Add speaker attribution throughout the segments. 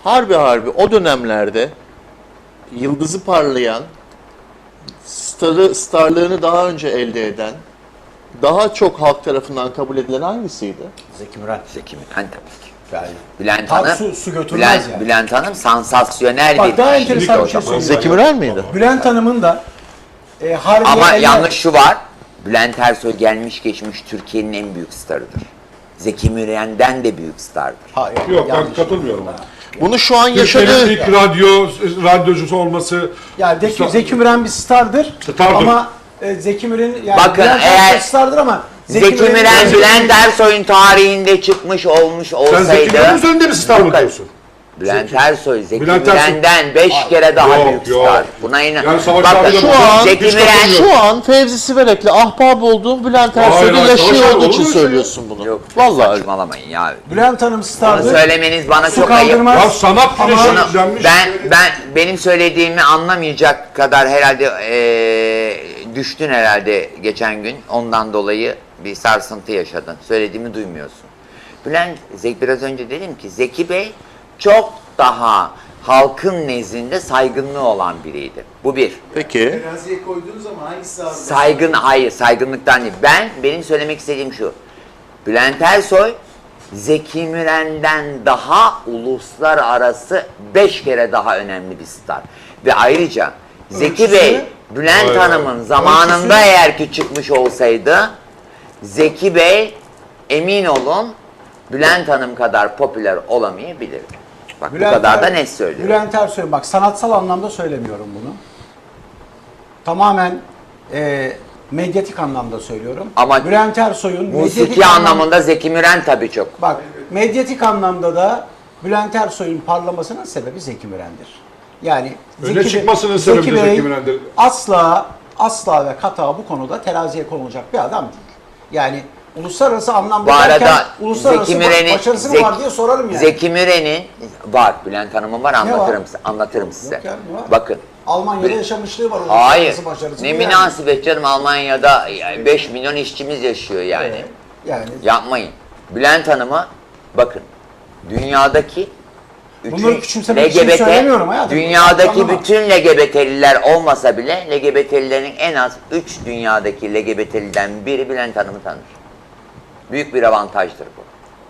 Speaker 1: harbi o dönemlerde yıldızı parlayan, starlığını daha önce elde eden, daha çok halk tarafından kabul edilen hangisiydi?
Speaker 2: Zeki Müren.
Speaker 3: Zeki Müren tabii ki.
Speaker 2: Yani
Speaker 3: Bülent
Speaker 2: Tam
Speaker 3: Hanım,
Speaker 2: su götürmez yani.
Speaker 3: Bülent Hanım sansasyonel
Speaker 2: Bak
Speaker 3: bir
Speaker 2: daha
Speaker 3: kişilik
Speaker 2: enteresan bir
Speaker 3: o
Speaker 2: şey
Speaker 3: zaman.
Speaker 2: söyleyeyim.
Speaker 1: Zeki Müren miydi?
Speaker 2: Bülent Hanım'ın da Harbiye
Speaker 3: Ama
Speaker 2: eller-
Speaker 3: yanlış şu var. Bülent Ersoy gelmiş geçmiş Türkiye'nin en büyük starıdır. Zeki Müren'den de büyük stardır.
Speaker 2: Hayır,
Speaker 4: Yok ben
Speaker 2: yanlış.
Speaker 4: katılmıyorum ona.
Speaker 1: Bunu şu an
Speaker 4: Türkiye'nin
Speaker 1: yaşadığı...
Speaker 4: ilk radyocusu olması...
Speaker 2: Ya Zeki Müren bir stardır.
Speaker 4: Stardır.
Speaker 2: Ama Zeki Müren yani
Speaker 3: Bakın,
Speaker 2: Bülent
Speaker 3: eğer
Speaker 2: Ersoy stardır ama
Speaker 3: Zeki Müren,
Speaker 2: Müren'in-
Speaker 3: Bülent Ersoy'un tarihinde çıkmış olmuş
Speaker 4: Sen Zeki
Speaker 3: olsaydı...
Speaker 4: Müren'in üzerinde mi star mı diyorsun?
Speaker 3: Bülent Ersoy, Zeki
Speaker 4: Bülent Ersoy-
Speaker 3: Müren'den 5 kere daha
Speaker 4: Yok,
Speaker 3: büyük
Speaker 4: yok.
Speaker 3: star. Buna inan.
Speaker 4: Yani Savaş
Speaker 3: Bakın
Speaker 4: abiyle
Speaker 1: şu an
Speaker 3: Zeki
Speaker 4: hiç
Speaker 3: Müren...
Speaker 4: katılmıyorum.
Speaker 1: Şu an Fevzi Siverek'le ahbap olduğum Bülent
Speaker 4: Hayır,
Speaker 1: Ersoy'da
Speaker 4: hayır,
Speaker 1: yaşıyor
Speaker 4: Savaş abi,
Speaker 1: olduğu için
Speaker 4: olur mu
Speaker 1: söylüyorsun bunu.
Speaker 3: Yok,
Speaker 1: Vallahi.
Speaker 3: saçmalamayın ya.
Speaker 2: Bülent Hanım
Speaker 3: Bunu
Speaker 2: stardır.
Speaker 3: söylemeniz bana
Speaker 2: Su
Speaker 3: çok ayıp.
Speaker 2: kaldırmaz.
Speaker 4: Ya sanat
Speaker 2: Ama-
Speaker 4: güneşi
Speaker 3: Bunu-
Speaker 4: izlenmiş.
Speaker 3: benim söylediğimi anlamayacak kadar herhalde düştün herhalde geçen gün. Ondan dolayı bir sarsıntı yaşadın. Söylediğimi duymuyorsun. Biraz önce dedim ki Zeki Bey çok daha halkın nezdinde saygınlığı olan biriydi. Bu bir.
Speaker 1: Peki.
Speaker 5: Teraziye koyduğunuz zaman hangisi ağır?
Speaker 3: Hayır, saygınlıktan değil. Benim söylemek istediğim şu. Bülent Ersoy, Zeki Müren'den daha uluslararası 5 kere daha önemli bir star. Ve ayrıca Zeki
Speaker 2: Ölçüsü-
Speaker 3: Bey, Bülent
Speaker 4: Vay
Speaker 3: Hanım'ın zamanında
Speaker 2: Ölçüsü-
Speaker 3: eğer ki çıkmış olsaydı, Zeki Bey emin olun Bülent Hanım kadar popüler olamayabilirdi. Bak bu kadar da net söylüyorum.
Speaker 2: Bülent Ersoy bak sanatsal anlamda söylemiyorum bunu. Tamamen medyatik anlamda söylüyorum.
Speaker 3: Ama
Speaker 2: Bülent Ersoy'un
Speaker 3: Musiki anlamında Zeki Müren tabii çok.
Speaker 2: Bak medyatik anlamda da Bülent Ersoy'un parlamasının sebebi Zeki Müren'dir. Yani
Speaker 4: Öne çıkmasının sebebi de Zeki Müren'dir.
Speaker 2: Asla ve kata bu konuda teraziye konulacak bir adam değil. Yani uluslararası anlamda
Speaker 3: Bu arada
Speaker 2: derken uluslararası
Speaker 3: Zeki Müren'in
Speaker 2: başarısı mı var diye sorarım yani.
Speaker 3: Zeki Müren'in var. Bülent Hanım'ın var. Anlatırım size.
Speaker 2: Yok yani, ne var?
Speaker 3: Bakın.
Speaker 2: Almanya'da yaşamışlığı var.
Speaker 3: Hayır.
Speaker 2: uluslararası başarısı
Speaker 3: Ne
Speaker 2: bu yani.
Speaker 3: münasebet canım, Almanya'da 5 milyon işçimiz yaşıyor yani.
Speaker 2: Yani
Speaker 3: Yapmayın. Bülent Hanım'a bakın. Dünyadaki
Speaker 2: bunları küçümsemek için söylemiyorum hayatım.
Speaker 3: dünyadaki
Speaker 2: Anlama.
Speaker 3: bütün LGBT'liler olmasa bile LGBT'lilerin en az 3 dünyadaki LGBT'liden biri Bülent Hanım'ı tanır. Büyük bir avantajdır bu.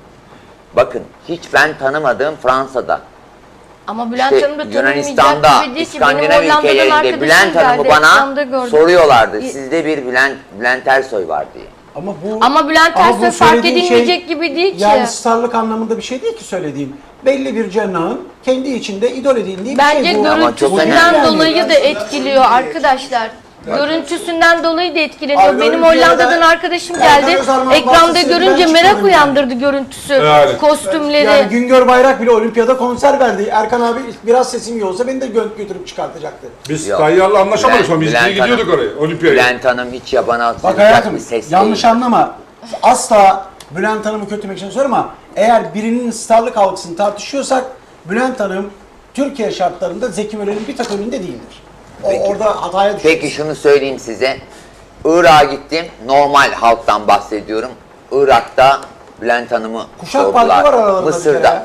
Speaker 3: Bakın hiç ben tanımadığım Fransa'da,
Speaker 6: Ama Bülent
Speaker 3: işte
Speaker 6: Hanım da
Speaker 3: Yunanistan'da,
Speaker 6: tanınmayacak gibi değil ki. Benim
Speaker 3: İskandinav
Speaker 6: Hollanda'dan
Speaker 3: ülkelerinde
Speaker 6: arkadaşım
Speaker 3: Bülent Hanım'ı
Speaker 6: geldi,
Speaker 3: bana
Speaker 6: ekranda gördüm.
Speaker 3: soruyorlardı. Sizde bir Bülent Ersoy var diye.
Speaker 6: Ama Bülent
Speaker 2: bu
Speaker 6: Ersoy fark
Speaker 2: söylediğin
Speaker 6: edilmeyecek gibi değil ki.
Speaker 2: Yani starlık anlamında bir şey değil ki söylediğin. Belli bir cenahın kendi içinde idol edildiği bir
Speaker 6: Bence
Speaker 2: şey bu.
Speaker 3: Ama çok
Speaker 6: görüntüsünden
Speaker 3: önemli.
Speaker 6: dolayı da etkiliyor arkadaşlar. Görüntüsünden dolayı da etkileniyor.
Speaker 2: Ay,
Speaker 6: Benim
Speaker 2: Olimpiyada
Speaker 6: Hollanda'dan arkadaşım
Speaker 2: Erkan
Speaker 6: geldi.
Speaker 2: Özarman
Speaker 6: Ekranda
Speaker 2: bahçesinde
Speaker 6: görünce
Speaker 2: ben
Speaker 6: merak
Speaker 2: çıkarım
Speaker 6: uyandırdı görüntüsü,
Speaker 4: Yani.
Speaker 6: kostümleri.
Speaker 2: Yani Güngör Bayrak bile olimpiyada konser verdi. Erkan abi biraz sesim iyi olsa beni de götürüp çıkartacaktı.
Speaker 4: Biz
Speaker 3: Yok.
Speaker 4: Tayyar'la anlaşamadık sonra. Biz
Speaker 3: Bülent
Speaker 4: ikili gidiyorduk
Speaker 3: Hanım-
Speaker 4: oraya. Olimpiyaya.
Speaker 3: Bülent Hanım hiç yabana
Speaker 2: Bak
Speaker 3: atılacak
Speaker 2: hayatım
Speaker 3: bir ses
Speaker 2: yanlış
Speaker 3: değil.
Speaker 2: anlama. Asla Bülent Hanım'ı kötülemek için söylüyorum ama eğer birinin starlık algısını tartışıyorsak Bülent Hanım Türkiye şartlarında Zeki Müren'in bir tak önünde değildir. Orada hataya düşüyor.
Speaker 3: Peki şunu söyleyeyim size. Irak'a gittim. Normal halktan bahsediyorum. Irak'ta Bülent Hanım'ı
Speaker 2: Kuşak
Speaker 3: sordular.
Speaker 2: farkı var aralarında.
Speaker 3: Mısır'da.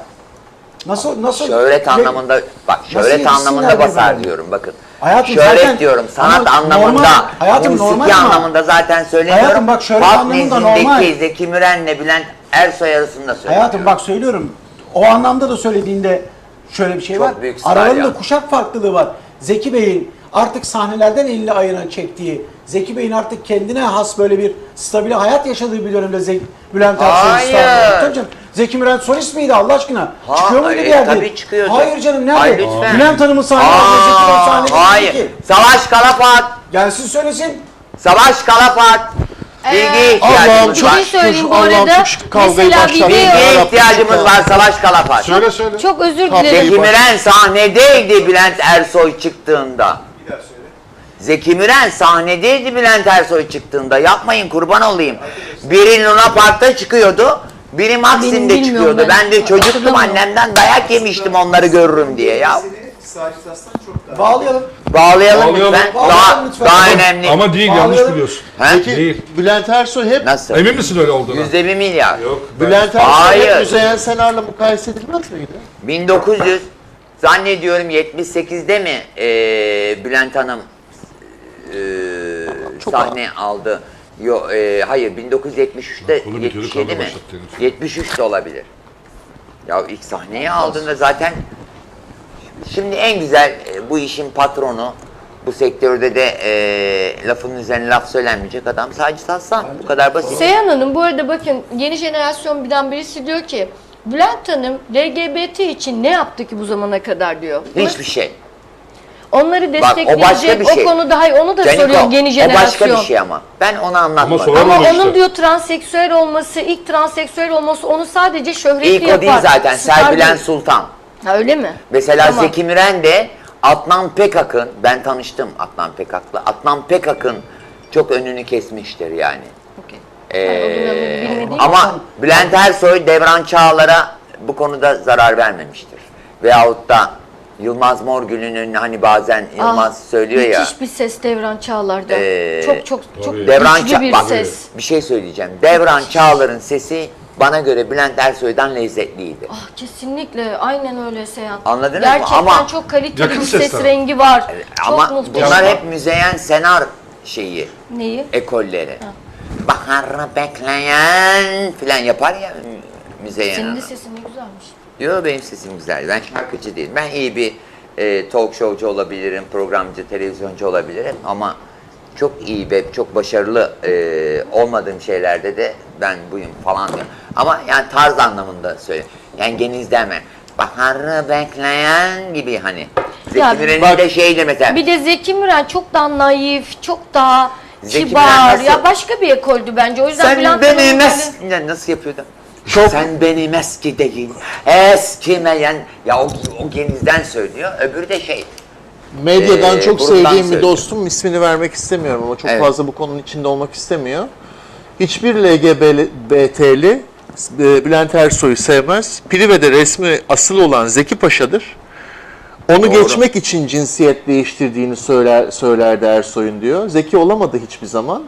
Speaker 2: Nasıl?
Speaker 3: Şöhret anlamında bak şöhret
Speaker 2: yetişsinler
Speaker 3: anlamında basar
Speaker 2: birbirlerine?
Speaker 3: diyorum bakın.
Speaker 2: Hayatım
Speaker 3: Şöhret
Speaker 2: zaten-
Speaker 3: diyorum sanat
Speaker 2: ama
Speaker 3: anlamında,
Speaker 2: normal, hayatım
Speaker 3: musiki
Speaker 2: normal ama-
Speaker 3: anlamında zaten söylemiyorum.
Speaker 2: Hayatım bak şöhret
Speaker 3: Halk
Speaker 2: anlamında
Speaker 3: nezdindeki
Speaker 2: normal.
Speaker 3: Zeki Müren'le Bülent Ersoy arasında söylüyorum.
Speaker 2: Hayatım bak söylüyorum. O anlamda da söylediğinde şöyle bir şey
Speaker 3: Çok
Speaker 2: var.
Speaker 3: büyük star
Speaker 2: Aralarında
Speaker 3: ya.
Speaker 2: kuşak farklılığı var. Zeki Bey'in artık sahnelerden elini ayağına çektiği, Zeki Bey'in artık kendine has böyle bir stabil hayat yaşadığı bir dönemde Bülent Ersoy
Speaker 3: Hayır.
Speaker 2: star. Tabii canım. Zeki Müren solist miydi Allah aşkına? Çıkıyor muydu bir yerde?
Speaker 3: Tabii çıkıyordu.
Speaker 2: Hayır canım nerede?
Speaker 3: Ay, lütfen.
Speaker 2: Bülent Hanım'ın sahnelerinde Zeki Bey sahnede değil
Speaker 3: Hayır.
Speaker 2: ki.
Speaker 3: Savaş Kalafat.
Speaker 2: Gelsin söylesin.
Speaker 3: Savaş Kalafat. Bilgiye
Speaker 1: Allah'ım
Speaker 3: ihtiyacımız
Speaker 1: çok
Speaker 3: var.
Speaker 6: Bir şey söyleyeyim bu
Speaker 1: Allah'ım
Speaker 6: arada.
Speaker 1: şu kavgayı
Speaker 6: Mesela
Speaker 1: başlatma.
Speaker 6: video-
Speaker 3: Bilgiye ihtiyacımız var Savaş Kalafat.
Speaker 4: Söyle söyle.
Speaker 6: Çok özür
Speaker 1: Kavgayı
Speaker 6: dilerim.
Speaker 3: Zeki Müren sahnedeydi Bülent Ersoy çıktığında.
Speaker 5: Bir daha söyle.
Speaker 3: Zeki Müren sahnedeydi Bülent Ersoy çıktığında. Yapmayın kurban olayım. Biri Luna Park'ta çıkıyordu. Biri
Speaker 6: Benim
Speaker 3: Maxim'de
Speaker 6: bilmiyorum
Speaker 3: çıkıyordu.
Speaker 6: ben.
Speaker 3: Ben de çocuktum
Speaker 6: Hatırlamıyorum.
Speaker 3: annemden dayak yemiştim onları görürüm diye ya.
Speaker 5: Seni Sacit Aslan çok daha.
Speaker 2: Bağlayalım.
Speaker 3: Bağlayalım
Speaker 4: Bağlayalım.
Speaker 3: lütfen.
Speaker 2: Bağlayalım lütfen.
Speaker 3: Daha
Speaker 2: Ama-
Speaker 3: önemli.
Speaker 4: Ama değil, yanlış
Speaker 2: Bağlayalım.
Speaker 4: biliyorsun.
Speaker 3: Ha?
Speaker 1: Peki
Speaker 4: Değil.
Speaker 1: Bülent Ersoy hep
Speaker 3: Nasıl?
Speaker 4: Emin misin öyle olduğuna?
Speaker 3: %1 milyar.
Speaker 4: Yok. ben-
Speaker 1: Bülent Ersoy
Speaker 3: Hayır.
Speaker 1: hep Müzeyyen Senar'la mukayese edilmez miydi?
Speaker 3: 1900 zannediyorum 78'de mi Bülent Hanım
Speaker 1: Çok
Speaker 3: sahne aldı? Yo, hayır 1973'te
Speaker 4: Kolu bitiyordu,
Speaker 3: 77
Speaker 4: kavga
Speaker 3: mi?
Speaker 4: başlattı herif.
Speaker 3: 73 de olabilir. Ya ilk sahneyi aldığında zaten şimdi en güzel bu işin patronu, bu sektörde de lafın üzerine laf söylenmeyecek adam Sacit Aslan. Bu kadar basit.
Speaker 6: Seyhan Hanım bu arada bakın yeni jenerasyon birden birisi diyor ki Bülent Hanım LGBT için ne yaptı ki bu zamana kadar diyor.
Speaker 3: Hiçbir şey.
Speaker 6: Onları
Speaker 3: Bak, o başka
Speaker 6: destekleyecek
Speaker 3: bir
Speaker 6: o,
Speaker 3: şey.
Speaker 6: konuda hayır onu da
Speaker 3: Caniko,
Speaker 6: soruyor yeni
Speaker 3: o
Speaker 6: jenerasyon.
Speaker 3: başka bir şey ama. Ben onu anlatmadım.
Speaker 4: sonra-
Speaker 6: Ama
Speaker 4: Sorun
Speaker 6: onun
Speaker 4: işte.
Speaker 6: diyor transseksüel olması, ilk transseksüel olması onu sadece şöhretli
Speaker 3: İlk
Speaker 6: yapar.
Speaker 3: o değil zaten.
Speaker 6: Star
Speaker 3: Serpilen
Speaker 6: değil.
Speaker 3: Sultan.
Speaker 6: Ha öyle mi?
Speaker 3: Mesela
Speaker 6: Tamam.
Speaker 3: Zeki Müren de Adnan Pekak'ın, ben tanıştım Adnan Pekak'la. Adnan Pekak'ın çok önünü kesmiştir yani.
Speaker 6: Okey. Ben o dönemleri bilmediğim
Speaker 3: Ama
Speaker 6: için-
Speaker 3: Bülent Ersoy Devran Çağlar'a bu konuda zarar vermemiştir. Veyahut da Yılmaz Morgül'ün hani bazen Yılmaz söylüyor ya.
Speaker 6: Müthiş bir ses Devran Çağlar'da. çok
Speaker 4: Tabii.
Speaker 3: Devran
Speaker 6: güçlü bir
Speaker 3: bak,
Speaker 6: ses.
Speaker 3: bir şey söyleyeceğim. Devran Çağlar'ın sesi bana göre Bülent Ersoy'dan lezzetliydi.
Speaker 6: Ah kesinlikle aynen öyle Seyhan.
Speaker 3: Anladınız mı?
Speaker 6: Gerçekten
Speaker 3: Ama-
Speaker 6: çok kaliteli
Speaker 4: Yakın
Speaker 6: bir ses
Speaker 4: sesler.
Speaker 6: rengi var.
Speaker 3: Ama
Speaker 6: çok muhteşem.
Speaker 3: bunlar hep Müzeyyen Senar şeyi,
Speaker 6: Neyi?
Speaker 3: ekolleri. Baharı bekleyen filan yapar ya Müzeyyen
Speaker 6: Senin de
Speaker 3: Hanım.
Speaker 6: sesin ne güzelmiş.
Speaker 3: Yok benim sesim güzel. Ben şarkıcı değilim. Ben iyi bir talk showcu olabilirim, programcı, televizyoncu olabilirim ama çok iyi ve çok başarılı olmadığım şeylerde de ben buyum falan diyorum. Ama yani tarz anlamında söyle. Yani genizleme. Baharı bekleyen gibi hani.
Speaker 6: Ya,
Speaker 3: Zeki Müren'in
Speaker 1: bak-
Speaker 3: de şeydi mesela.
Speaker 6: Bir de Zeki Müren çok daha naif, çok daha
Speaker 3: Zeki
Speaker 6: kibar.
Speaker 3: Müren nasıl-
Speaker 6: Ya başka bir ekoldü bence. O yüzden
Speaker 3: Sen
Speaker 6: Bülent
Speaker 3: benim
Speaker 6: Hanım'ın
Speaker 3: ya nasıl yapıyordu? Sen benim eski değil, eskimeyen. Ya o genizden söylüyor. Öbürü de şey.
Speaker 1: Medyadan çok
Speaker 3: buradan
Speaker 1: sevdiğim bir
Speaker 3: söylüyorum.
Speaker 1: dostum, ismini vermek istemiyorum ama çok
Speaker 3: Evet.
Speaker 1: fazla bu konunun içinde olmak istemiyor. Hiçbir LGBT'li Bülent Ersoy'u sevmez. Prive'de resmi asıl olan Zeki Paşa'dır. Onu
Speaker 3: Doğru.
Speaker 1: geçmek için cinsiyet değiştirdiğini söylerdi Ersoy'un diyor. Zeki olamadı hiçbir zaman.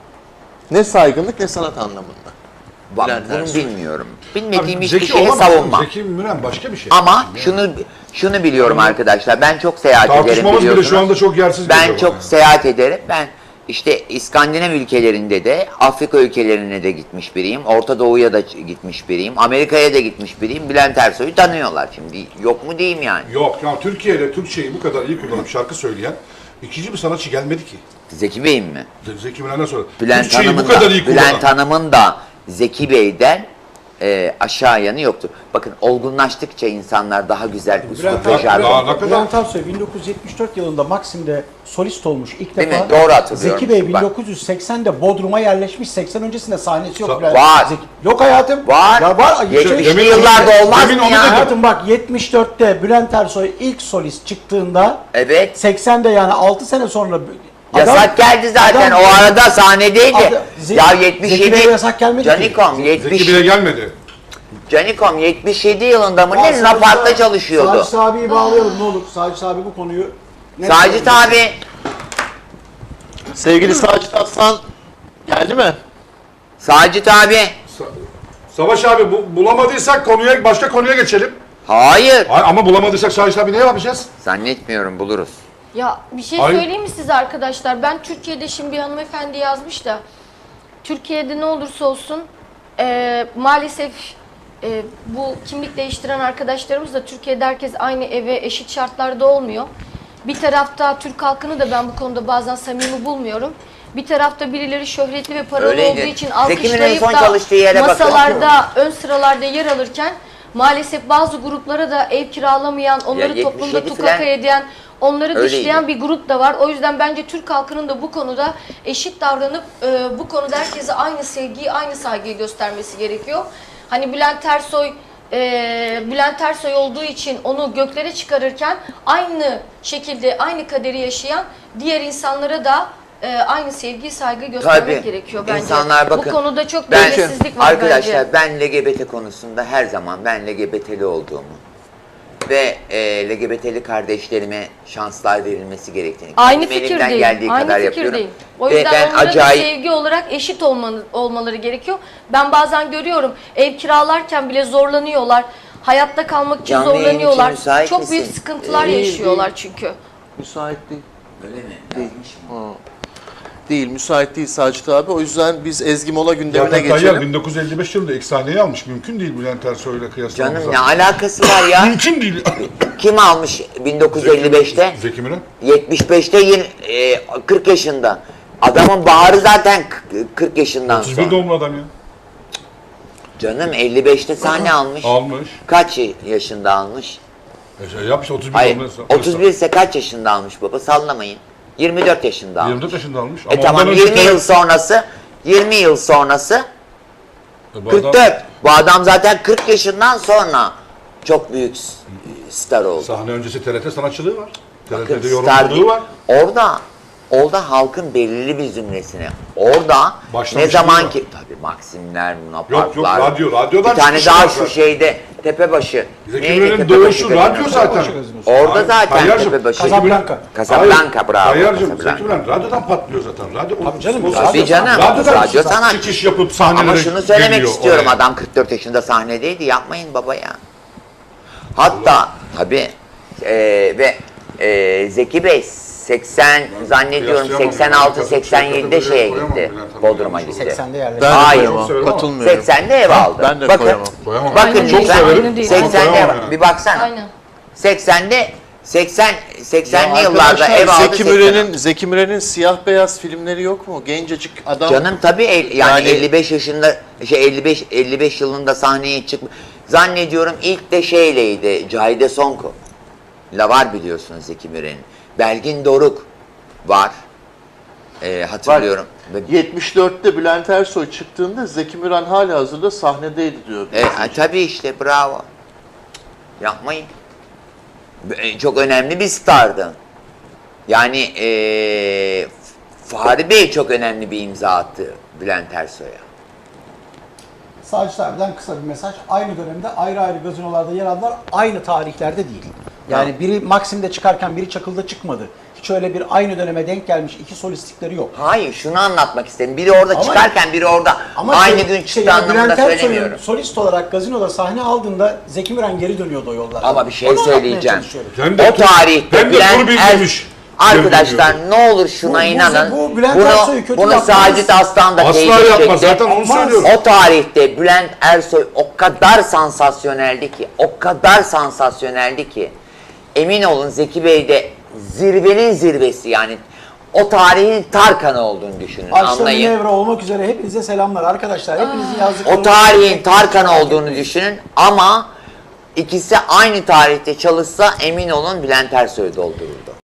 Speaker 1: Ne saygınlık ne sanat anlamında.
Speaker 3: Bak,
Speaker 1: Bülent
Speaker 3: bunu
Speaker 1: Ersoy.
Speaker 3: bilmiyorum. Bilmediğim
Speaker 4: Abi,
Speaker 3: hiçbir
Speaker 4: Zeki
Speaker 3: şeyi
Speaker 4: olamaz.
Speaker 3: savunmam.
Speaker 4: Zeki Müren başka bir şey.
Speaker 3: Ama şunu biliyorum arkadaşlar. Ben çok seyahat ederim
Speaker 4: Tartışmamız bile
Speaker 3: biliyorsunuz.
Speaker 4: şu anda çok yersiz
Speaker 3: Ben
Speaker 4: geliyor
Speaker 3: çok
Speaker 4: bana.
Speaker 3: seyahat ederim. Ben işte İskandinav ülkelerinde de, Afrika ülkelerine de gitmiş biriyim. Orta Doğu'ya da gitmiş biriyim. Amerika'ya da gitmiş biriyim. Bülent Ersoy'u tanıyorlar şimdi. Yok mu diyeyim yani.
Speaker 4: Yok ya, Türkiye'de Türkçeyi bu kadar iyi kullanıp şarkı söyleyen ikinci bir sanatçı gelmedi ki.
Speaker 3: Zeki Bey'in mi?
Speaker 4: Zeki Müren'den sonra.
Speaker 3: Bülent
Speaker 4: Türkçeyi
Speaker 3: Hanım'ın
Speaker 4: bu kadar
Speaker 3: da,
Speaker 4: iyi kullanan.
Speaker 3: Bülent Hanım'ın da Zeki Bey'den aşağı yanı yoktur. Bakın olgunlaştıkça insanlar daha güzel üslup ve
Speaker 4: Bülent-
Speaker 3: jargon.
Speaker 4: Daha ne kadar?
Speaker 2: Bülent Ersoy 1974 yılında Maksim'de solist olmuş ilk
Speaker 3: Değil
Speaker 2: defa.
Speaker 3: mi? Doğru hatırlıyorum.
Speaker 2: Zeki Bey
Speaker 3: Bak.
Speaker 2: 1980'de Bodrum'a yerleşmiş. 80 öncesinde sahnesi yok. Bülent-
Speaker 3: Var.
Speaker 2: Yok hayatım.
Speaker 3: Var.
Speaker 2: Ya var.
Speaker 3: 70'li
Speaker 4: Demin
Speaker 3: yıllarda
Speaker 4: onu-
Speaker 3: olmaz
Speaker 4: demin
Speaker 3: mı
Speaker 4: onu
Speaker 3: ya?
Speaker 4: dedim.
Speaker 2: Hayatım bak 74'te Bülent Ersoy ilk solist çıktığında
Speaker 3: Evet.
Speaker 2: 80'de yani 6 sene sonra
Speaker 3: Yasak geldi zaten.
Speaker 2: adam-
Speaker 3: O arada sahnedeydi. Ya
Speaker 2: Zeki
Speaker 3: 77.
Speaker 2: Bey'e yasak gelmedi ki.
Speaker 3: Canikom
Speaker 4: Zeki
Speaker 3: 70.
Speaker 4: bile gelmedi.
Speaker 3: Canikom 77 yılında mı ne Napart'ta çalışıyordu.
Speaker 2: Sacit abiyi bağlayalım ne olur. Sacit abi bu konuyu... net
Speaker 3: Sacit
Speaker 2: söylüyor.
Speaker 3: abi
Speaker 1: Sevgili Sacit Aslan geldi mi?
Speaker 3: Sacit abi.
Speaker 4: Savaş abi bulamadıysak başka konuya geçelim.
Speaker 3: Hayır.
Speaker 4: Ama bulamadıysak Savaş abi ne yapacağız?
Speaker 3: Zannetmiyorum buluruz.
Speaker 6: Ya bir şey
Speaker 4: Hayır.
Speaker 6: söyleyeyim mi size arkadaşlar? Ben Türkiye'de şimdi bir hanımefendi yazmış da Türkiye'de ne olursa olsun maalesef bu kimlik değiştiren arkadaşlarımız da Türkiye'de herkes aynı eve eşit şartlarda olmuyor. Bir tarafta Türk halkını da ben bu konuda bazen samimi bulmuyorum. Bir tarafta birileri şöhretli ve paralı
Speaker 3: Öyleydi.
Speaker 6: olduğu için
Speaker 3: Zeki Müren'in
Speaker 6: alkışlayıp
Speaker 3: son
Speaker 6: da
Speaker 3: çalıştığı yere bakın.
Speaker 6: masalarda ön sıralarda yer alırken maalesef bazı gruplara da ev kiralamayan, onları
Speaker 3: Ya
Speaker 6: toplumda
Speaker 3: 77
Speaker 6: tukaka
Speaker 3: filan
Speaker 6: eden, onları
Speaker 3: öyleydi.
Speaker 6: dışlayan bir grup da var. O yüzden bence Türk halkının da bu konuda eşit davranıp bu konuda herkese aynı sevgiyi, aynı saygıyı göstermesi gerekiyor. Hani Bülent Ersoy olduğu için onu göklere çıkarırken aynı şekilde aynı kaderi yaşayan diğer insanlara da aynı sevgi, saygı göstermek
Speaker 3: Tabii.
Speaker 6: gerekiyor bence.
Speaker 3: İnsanlar bakın.
Speaker 6: Bu konuda çok
Speaker 3: Ben-
Speaker 6: dengesizlik var
Speaker 3: Arkadaşlar
Speaker 6: bence.
Speaker 3: ben LGBT konusunda her zaman ben LGBT'li olduğumu ve LGBT'li kardeşlerime şanslar verilmesi gerektiğini.
Speaker 6: Aynı
Speaker 3: kendim elimden
Speaker 6: fikirdeyim.
Speaker 3: geldiği
Speaker 6: Aynı
Speaker 3: kadar yapıyorum.
Speaker 6: fikirdeyim. O
Speaker 3: Ve
Speaker 6: yüzden
Speaker 3: ben
Speaker 6: onların
Speaker 3: acayip
Speaker 6: sevgi olarak eşit olmaları gerekiyor. Ben bazen görüyorum ev kiralarken bile zorlanıyorlar. Hayatta kalmak için
Speaker 3: Canlı yayın için
Speaker 6: zorlanıyorlar.
Speaker 3: müsait
Speaker 6: Çok büyük
Speaker 3: misin?
Speaker 6: sıkıntılar
Speaker 1: Değil,
Speaker 6: yaşıyorlar çünkü.
Speaker 1: Müsait değil.
Speaker 3: Öyle mi? Yazmış mı?
Speaker 1: Değil, müsait değil Sacit abi. O yüzden biz Ezgi Mola gündemine
Speaker 4: Zaten Tayyar
Speaker 1: geçelim.
Speaker 4: 1955 yılında ilk sahneyi almış. Mümkün değil Bülent Ersoy'la kıyaslamamız.
Speaker 3: Canım ne alakası var ya?
Speaker 4: Mümkün değil.
Speaker 3: Kim almış 1955'te?
Speaker 4: Zeki Müren.
Speaker 3: 75'te 40 yaşında. Adamın baharı zaten 40 yaşından
Speaker 4: 31
Speaker 3: sonra.
Speaker 4: doğumlu adam ya.
Speaker 3: Canım 55'te sahne almış.
Speaker 4: Almış.
Speaker 3: Kaç yaşında almış?
Speaker 4: Yapmış 31
Speaker 3: Hayır,
Speaker 4: doğumlu.
Speaker 3: 31 ise kaç yaşında almış baba? Sallamayın. 24 yaşında almış.
Speaker 4: 24 yaşında almış.
Speaker 3: Tamam
Speaker 4: ondan önce
Speaker 3: 20 yıl
Speaker 4: Tayyar-
Speaker 3: sonrası 20 yıl sonrası
Speaker 4: Bu adam
Speaker 3: 44. Bu adam zaten 40 yaşından sonra çok büyük star oldu.
Speaker 4: Sahne öncesi TRT sanatçılığı var.
Speaker 3: Bakın,
Speaker 4: TRT'de
Speaker 3: star
Speaker 4: yorumculuğu
Speaker 3: değil.
Speaker 4: var.
Speaker 3: Orada halkın belirli bir zümresine. Orada
Speaker 4: Başlamışlığı
Speaker 3: ne zaman
Speaker 4: var.
Speaker 3: ki tabii Maksimler,
Speaker 4: Yok
Speaker 3: Lunaparklar.
Speaker 4: radyodan
Speaker 3: Bir tane
Speaker 4: çıkışı
Speaker 3: daha
Speaker 4: var
Speaker 3: şu
Speaker 4: zaten.
Speaker 3: şeyde Tepebaşı.
Speaker 4: Zeki
Speaker 3: Neydi
Speaker 4: Müren'in
Speaker 3: Tepebaşı
Speaker 4: doğuşu
Speaker 3: gazinosu?
Speaker 4: radyo zaten.
Speaker 3: Orada
Speaker 4: Hayır,
Speaker 3: zaten
Speaker 4: Tayyar'cığım,
Speaker 3: Tepebaşı.
Speaker 2: Casablanca.
Speaker 3: Casablanca, bravo.
Speaker 4: Tayyar'cığım
Speaker 3: Casablanca.
Speaker 4: Zeki Müren radyodan patlıyor zaten. Radyo,
Speaker 2: Tabii canım,
Speaker 3: Tabii canım.
Speaker 4: Radyodan
Speaker 3: Radyo sanatçı.
Speaker 4: çıkış yapıp sahnelere
Speaker 3: Ama şunu söylemek
Speaker 4: geliyor
Speaker 3: istiyorum,
Speaker 4: oraya.
Speaker 3: adam 44 yaşında sahnedeydi, yapmayın baba ya. Hatta tabii Zeki Bey 80 zannediyorum
Speaker 4: Kıyaslayamam.
Speaker 3: 86-87'de şeye
Speaker 4: Koyamam
Speaker 3: gitti.
Speaker 4: Bülent Hanım.
Speaker 3: Bodrum'a gitti.
Speaker 2: 80'de yerleşti.
Speaker 1: Ben de
Speaker 3: Hayır.
Speaker 1: koyamam,
Speaker 4: Çok
Speaker 1: katılmıyorum.
Speaker 3: 80'de ev aldı.
Speaker 1: Ben de
Speaker 3: bakın,
Speaker 1: koyamam.
Speaker 4: Koyamam.
Speaker 3: Bakın
Speaker 6: Aynen
Speaker 4: Çok
Speaker 6: değil,
Speaker 3: lütfen.
Speaker 4: severim.
Speaker 6: aynen değil.
Speaker 3: 80'de
Speaker 4: Koyamam
Speaker 3: ev,
Speaker 4: yani.
Speaker 3: bir baksana.
Speaker 6: Aynen.
Speaker 3: 80'li yıllarda
Speaker 1: Arkadaşlar,
Speaker 3: ev aldı.
Speaker 1: Zeki Müren'in siyah beyaz filmleri yok mu? Gencecik adam.
Speaker 3: Canım tabii yani
Speaker 1: Yani-
Speaker 3: 55 yaşında 55 yılında sahneye çıkmış. Zannediyorum ilk de şeyleydi. Cahide Sonko. La var biliyorsunuz Zeki Müren'in. Belgin Doruk var. Hatırlıyorum. Ve-
Speaker 1: 74'te Bülent Ersoy çıktığında Zeki Müren halihazırda sahnedeydi diyor.
Speaker 3: Tabii işte bravo. Yapmayın. Çok önemli bir stardı. Yani Fahri Bey çok önemli bir imza attı Bülent Ersoy'a.
Speaker 2: Sacit abiden kısa bir mesaj. Aynı dönemde ayrı ayrı gazinolarda yer aldılar. Aynı tarihlerde değil. Yani biri Maksim'de çıkarken biri Çakıl'da çıkmadı. Hiç öyle bir aynı döneme denk gelmiş iki solistlikleri yok.
Speaker 3: Hayır, şunu anlatmak istedim. Biri orada
Speaker 2: Ama-
Speaker 3: çıkarken biri orada aynı gün çıktı
Speaker 2: yani
Speaker 3: anlamında
Speaker 2: Bülent Ersoy'un
Speaker 3: söylemiyorum.
Speaker 2: solist olarak gazinoda sahne aldığında Zeki Müren geri dönüyordu o yollarda.
Speaker 3: Ama bir şey
Speaker 2: Onu anlatmaya
Speaker 3: söyleyeceğim.
Speaker 2: çalışıyorum.
Speaker 4: Hem de
Speaker 3: O tarihte
Speaker 4: hem de
Speaker 3: Bülent
Speaker 4: tur bildirmiş.
Speaker 3: Arkadaşlar ne olur şuna
Speaker 2: Bu
Speaker 3: inanın.
Speaker 2: bu Bülent Ersoy'u kötü
Speaker 3: bunu
Speaker 2: yapmaz.
Speaker 3: Sacit Aslan da
Speaker 4: Asla
Speaker 3: teyit
Speaker 4: yapmaz.
Speaker 3: edecektir.
Speaker 4: Zaten onu
Speaker 2: Yapmaz.
Speaker 4: söylüyorum.
Speaker 3: O tarihte Bülent Ersoy o kadar sansasyoneldi ki emin olun Zeki Bey de zirvenin zirvesi yani o tarihin Tarkan'ı olduğunu düşünün,
Speaker 2: Başta
Speaker 3: anlayın.
Speaker 2: Münevra olmak üzere hepinize selamlar arkadaşlar. Hepinizin yazdıkları...
Speaker 3: O tarihin Tarkan olduğunu düşünün ama ikisi aynı tarihte çalışsa emin olun Bülent Ersoy doldururdu.